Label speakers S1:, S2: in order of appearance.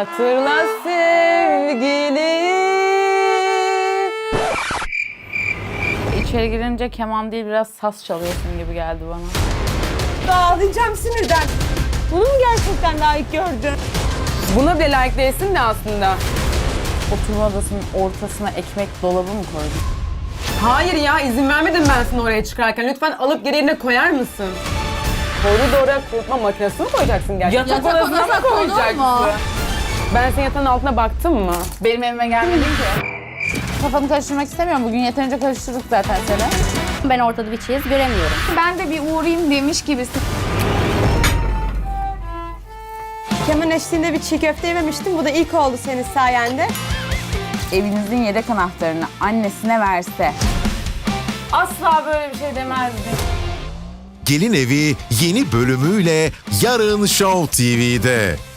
S1: Hatırla sevgili.
S2: İçeri girince keman değil biraz saz çalıyorsun gibi geldi bana.
S3: Ağlayacağım sinirden. Bunu mu gerçekten layık gördün?
S1: Buna bile layık değilsin de aslında.
S2: Oturma odasının ortasına ekmek dolabı mı koydun?
S1: Hayır ya, izin vermedim ben sana oraya çıkarken. Lütfen alıp geri yerine koyar mısın? Koridora kurutma makinesini mi koyacaksın gerçekten?
S2: Yatak odasına
S1: mı koyacaksın?
S2: konur mu?
S1: Ben senin yatağın altına baktım mı?
S2: Benim evime gelmedin ki. Kafanı karıştırmak istemiyorum. Bugün yeterince karıştırdık zaten seni.
S4: Ben ortada bir çiz göremiyorum.
S2: Ben de bir uğrayayım demiş gibisin.
S3: Keman eşliğinde bir çiğ köfte yememiştim. Bu da ilk oldu senin sayende.
S2: Evinizin yedek anahtarını annesine verse asla böyle bir şey demezdi.
S5: Gelin Evi yeni bölümüyle yarın Show TV'de.